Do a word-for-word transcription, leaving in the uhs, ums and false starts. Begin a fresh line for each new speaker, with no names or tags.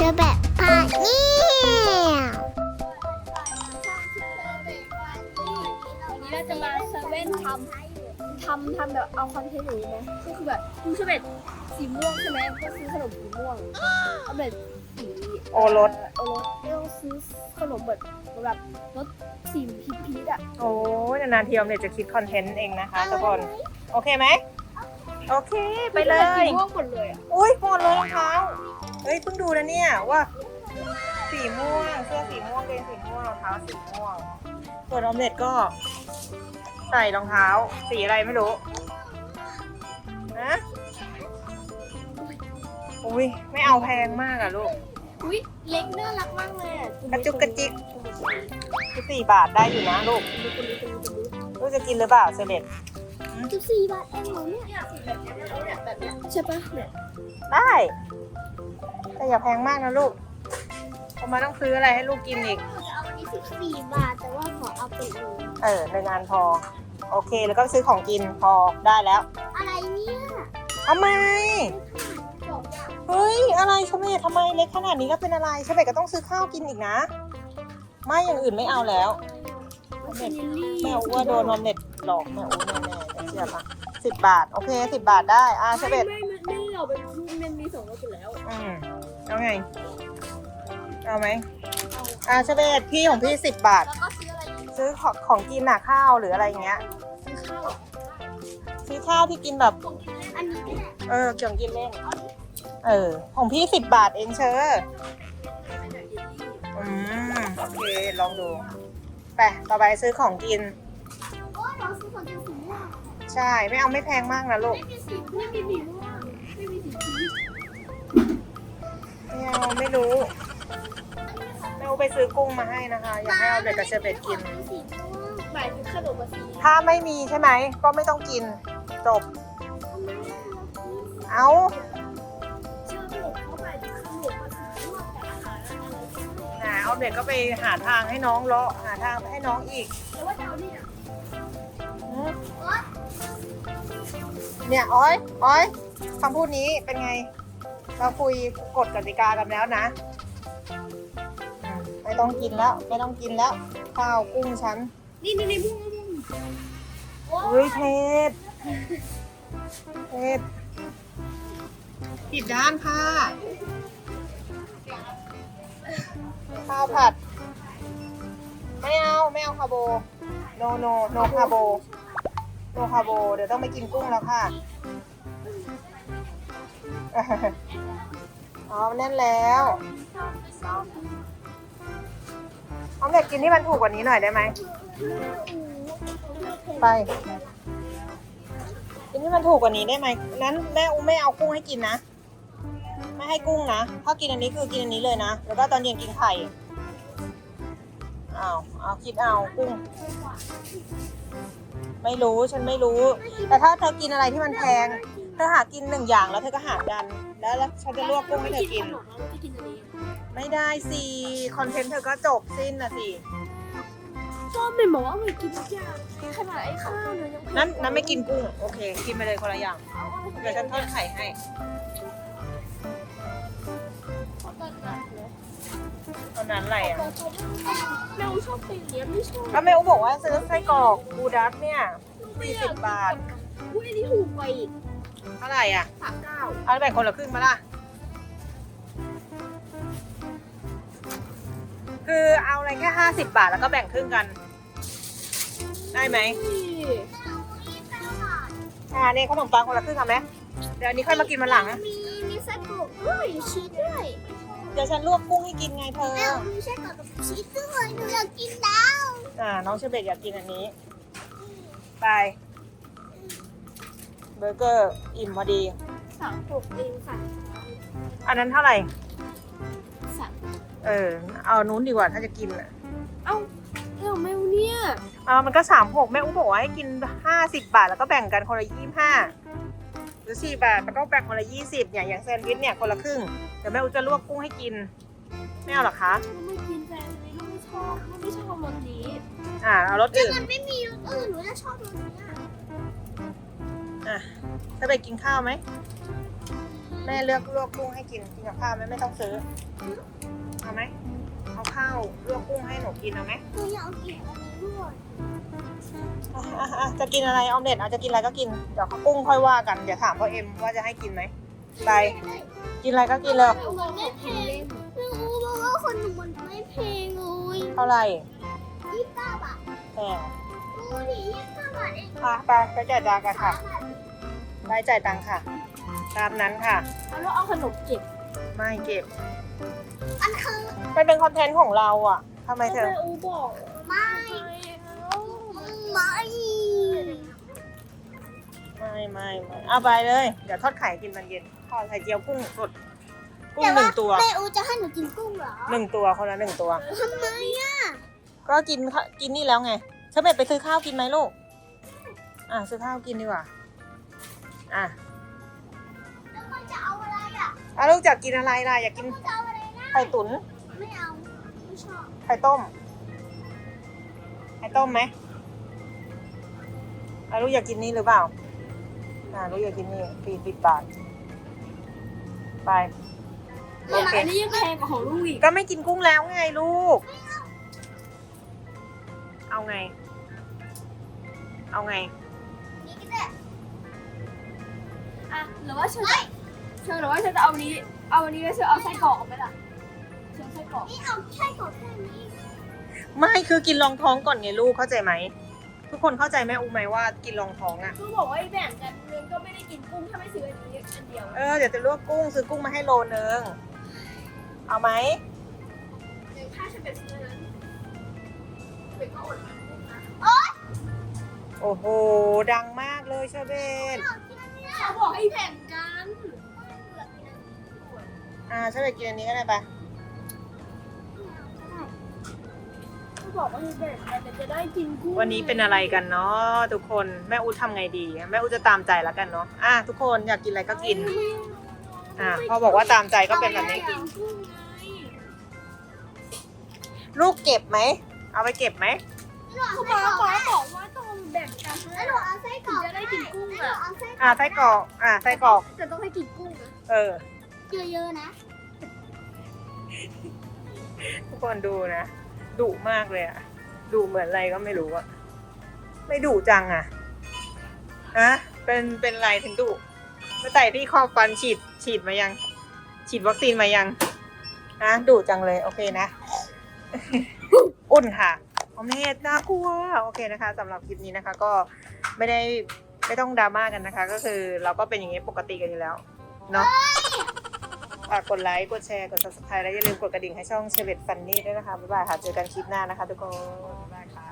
อแบบพาเนี่ย
วันนี้เราจะมาเซเว่นทำทำทำแบบเอาคอนเทนต์อย่างนี้ไหมก็คือแบบคุณชอบแบบสีม่วงใช่ไหมก็ซื้อขนมสีม่วงเอาแบบสี
โอรส
โอรสไม่ต้องซื้อขนมแบบแบบรสสีพีชพีชอ่ะ
โอ้ยนานๆทีออมเล็ตจะคิดคอนเทนต์เองนะคะทุกคนโอเคไหมโอเคไปเล
สี
ย
ม่วงหมดเลยอ่ะ
อุ้ยหมดเลยรองเท้าเฮ้ยเพิ่งดูนะเนี่ยว่าสีม่วงเสื้อสีม่วงเกงสีม่วงรองเท้าสีม่วงส่วนออมเล็ตก็ใส่รองเท้าสีอะไรไม่รู้นะอุ้ยไม่เอาแพงมากอะลูก
อุ้ยเล็กน่ารักมากเลยอ่ะ
กระจุกกระจิกคือสี่บาทได้อยู่นะลูกลูกจะกินหรือเปล่าเซเลต
สิบสี่บาทเองเหรอเนี่ยแบบนี้เนี่ยแบบนี้ใช่ปะเนี่ย
ได้แต่อย่าแพงมากนะลูกเพราะมันต้องซื้ออะไรให้ลูกกินอีก
เอาวันนี้สิบสี่บาทแต่ว่าขอเอาไปเลย
เออในงานพอโอเคแล้วก็ซื้อของกินพอได้แล้ว
อะไรเนี่ย
ทำไม
สองอย่าง
เฮ้ยอะไรชเบตทำไมเล็กขนาดนี้แล้วเป็นอะไรชเบตก็ต้องซื้อข้าวกินอีกนะไม่อย่างอื่นไม่เอาแล้ว
เซนลี่
แม่อ้ว่าโดนนมเน็ตหลอกแม่อ้วแน่ๆแต่เชื่อปะสิบบาทโอเคสิบบาทได้อ่าช
ไม่
เบต
ไม่ไม่ไม่เราเป็นลูกมันมีสองรสอยู่แล้ว
อืมเอาไงเอาไหมอ่าชเบตพี่ของพี่สิบบาท
แล้วก็ซื้ออะไรอีก
ซื้อของของกินน่ะข้าวหรืออะไรอย่างเงี้ย
ซื้อข้าว
ซื้อข้าวที่กินแบบ
อันนี้ก็ได้
เออเกี่ยวกับกินเล่นเออของพี่สิบบาทเองเชออืมโอเคลองดูไปต่อไปซื้อของกิน
โอ้ยเราซื้อของกินสีม่วง
ใช่ไม่เอาไม่แพงมากนะลูก
ไม่มีสีไม่มีสีม่วงไม่มีสีพีช
ไม่เอาไม่รู้แม่อูไปซื้อกุ้งมาให้นะคะ อยากให้เอาเด็กกับเชอร์เบตกิน
มีสีม่วงหมายถึงขนมสี
ถ้าไม่มีใช่ไหมก็ไม่ต้องกินจบ เอา
เชื่อผมเขาหมายถึงขนมสีม่วงแต่อาหารอะไร
หาเอาเด็กก็ไปหาทางให้น้องเลาะหาทางให้น้องอีก
แต่ว่าจะเอาเนี่ย
อืมเนี่ยอ้อยอ้อยคำพูดนี้เป็นไง เราคุยกฎกติกากันแล้วนะอืมไม่ต้องกินแล้ว ไม่ต้องกินแล้ว ข้าวกุ้งฉัน
นี่นี่นี่ม่วงม่วง
เฮ้ยเทศเทศผิดด้านค่ะ ข้าวผัด ไม่เอา ไม่เอาคาโบ โนโนโนคาโบ โนคาโบ เดี๋ยวต้องไปกินกุ้งแล้วค่ะ อ๋อแน่นแล้วออมเล็ตกินที่มันถูกกว่านี้หน่อยได้ไหม ไป กินที่มันถูกกว่านี้ได้ไหมนั้นแม่อุ้มไม่เอากุ้งให้กินนะ ไม่ให้กุ้งนะ ถ้ากินอันนี้คือกินอันนี้เลยนะ แล้วก็ตอนเย็นกินไข่อ้าวเอาคิดเอากุ้ง ไม่รู้ฉันไม่รู้ แต่ถ้าเธอกินอะไรที่มันแพง เธอหากินหนึ่งอย่างแล้วเธอก็หารกัน แล้วแล้วฉันจะลวกกุ้งให้เธอกิน
จะกินอันนี้
ไม่ได้สิ คอนเทนต์เธอก็จบสิ้นนะสิ
ก็ไม่บอกว่าไม่กินทุกอย่างขนาดไอ้ข้าวเนี่ยยัง
นั้นนั้นไม่กินกุ้ง โอเค กินไปเลยคนละอย่าง เดี๋ยวฉันทอดไข่ให้ ตอนนั้นอะไรอ่ะ
แมวชอบเป็นอย่างเงี้ยไม่ชอบ
ก็แม่อุ๊บอกว่าซื้อไส้กรอกบูดัสเนี่ยสี่สิบบาท
อุ้ยอันนี้ถูกกว่าอีก
เท่าไหร่อ่ะ
สามเก้า
เอาแบ่งคนละครึ่งมาล่ะ คือเอาอะไรแค่ห้าสิบบาทแล้วก็แบ่งครึ่งกัน ได้ไหมอ่านี่ขนมปังคนละครึ่งเอาไหมเดี๋ยวอันนี้ค่อยมากินมาหลัง
มีมีไส้กรอกด้วยชีสด้วย
เดี๋ยวฉันลวกกุ้งให้กินไงเธอ
แมวมีไส้กรอกกับชีสด้วยหนูอยากกินแล้ว
อ่า น้องเชเบตอยากกินอันนี้ ไป เบอร์เกอร์อิ่มพอดี
สามหกเองค่ะ
อันนั้นเท่าไหร่
สาม
เออ เอานู้นดีกว่าถ้าจะกินอ่ะ
เอ้าเอ้าแมวเนี่ย
อ่ามันก็สามหกแม่อุ๊บอกว่าให้กินห้าสิบบาทแล้วก็แบ่งกันคนละยี่ห้าหรือสี่บาทแล้วก็แบ่งคนละยี่สิบอย่างอย่างแซนด์วิชเนี่ยคนละครึ่งเดี๋ยวแม่อุ๊จะลวกกุ้งให้กินไม่เอาหรอคะ
ไม่กินแฟนนี้ลูกไม่ชอบลูกไม่ชอบรสนี้
อ่าเอารสอื่น
มันไม่มีรสอื่นหนูจะชอบรสนี้
อ่ะจะไปกินข้าวไหมแม่เลือกลวกกุ้งให้กินกินกับข้าวไหมไม่ต้องซื้อเอาไหมเอาข้าวลวกกุ้งให้หนูกินเอาไหม
หนูอยากกินอันนี้ด้วย
อ่ะอ่ะอ่ะจะกินอะไรออมเล็ตเอาจะกินอะไรก็กินเดี๋ยวกุ้งค่อยว่ากันเดี๋ยวถามพ่อเอ็มว่าจะให้กินไหมไปกินอะไรก็กินเลย
มันไม่แพงไม่รู้เพราะว่าคนหนูมันไม่แพงเลย
เท่าไหร่
ยี่สิบเก้าบาท
แพง
ดูดิยี่สิบเก้าบาทเอง
อ่ะไปไปจ่ายตังค์กันค่ะไปจ่ายตังค์ค่ะ ตามนั้นค่ะ
แล้วเอาขนมเก็บ
ไม่เก็บ
อันคือ
มันเป็นคอนเทนต์ของเราอ่ะทำไมเธอ
แม่อูบอกไม่ไม่
ไม่ไม่ไม่เอาไปเลยเดี๋ยวทอดไข่กินตอนเย็นทอดไข่เจียวกุ้งสดกุ้งหนึ่งตัว
แม่อูจะให้หนูกินกุ้งเหรอ
หนึ่งตัวคนละหนึ่งตัว
ทำไมอ่ะ
ก็กินข้ากินนี่แล้วไงเชอร์เบตไปซื้อข้าวกินไหมลูกอ่ะซื้อข้าวกินดีกว่าอ่ะ
แล้วมันจะเอาอะไรอ่ะ
อ่ะลูกอยากกินอะไรล่ะอยากกิน
มันจะเอาอะไรนะ
ไข่ตุ๋น
ไม่เอาไม่ชอบ
ไข่ต้มไข่ต้มไหมอ่ะลูกอยากกินนี่หรือเปล่าอ่ะลูกอยากกินนี่ฟรีสิบบาทไปโอเค
อันนี้ยังแพงกว่าของลูกอีก
ก็ไม่กินกุ้งแล้วไงลูก เอาไง เอาไง
นี่ก็ได้อ่ะหรือว่าเชิญเชิญหรือว่าเชิญจะเอานี้ เอาอันนี้แล้วเชิญเอาไส้กรอกไหมล่ะเชิญไส้กรอกนี่เอาไส้กรอกแค่นี้
ไม่คือกินรองท้องก่อนไงลูกเข้าใจไหมทุกคนเข้าใจแม่อูไหมว่ากินรองท้องอ่ะ
คือบอกว่าแบ่งกันเงินก็ไม่ได้กินกุ้งถ้าไม่ซื้ออันนี้อันเดียว
เออเดี๋ยวจะลวกกุ้งซื้อกุ้งมาให้โลนึงเอาไหม
ถ้าฉันเป็นซื้อนั้นเป็นก็อดกุ้งนะ
โอ้โหดังมากเลยเชอร์เบน
เขาบอกให้แบ่งกัน
อ่าเชอร์เบนกินอันนี้ก็ได้ปะ
เขาบอกว่าให้แบ่งกันแต่จะได้กินกุ้ง
วันนี้เป็นอะไรกันเนาะทุกคนแม่อูทำไงดีแม่อูจะตามใจแล้วกันเนาะอ่ะทุกคนอยากกินอะไรก็กินอ่ะพอบอกว่าตามใจก็เป็นแบบนี้
กินกุ้งไง
ลูกเก็บไหมเอาไปเก็บไหม
เขาบอกว่าบอกว่าต้องแบ่งกันแล้วหนูเอาไส้กรอกจะได้กินกุ้งอ่ะ
อ่าไส้กรอกอ่าไส้กรอก
แต่ต้องให้กินกุ้งนะ
เออ
เยอะๆนะ
ทุกคนดูนะดุมากเลยอะดุเหมือนอะไรก็ไม่รู้อะไม่ดุจังอะฮะเป็นเป็นอะไรถึงดุไปใส่ที่ครอบฟันฉีดฉีดมายัง ฉีดวัคซีนมายังฮะดุจังเลยโอเคนะ อุ่นค่ะออมเล็ตน่ากลัวโอเคนะคะสำหรับคลิปนี้นะคะ ก็ไม่ได้ไม่ต้องดราม่ากันนะคะ ก็คือเราก็เป็นอย่างนี้ปกติกันอยู่แล้วเนาะฝากกดไลค์กดแชร์กด ซับสไครบ์ และอย่าลืมกดกระดิ่งให้ช่องเชเวตฟันนี่ด้วยนะคะบ๊ายบายค่ะเจอกันคลิปหน้านะคะทุกคนบ๊ายบายค่ะ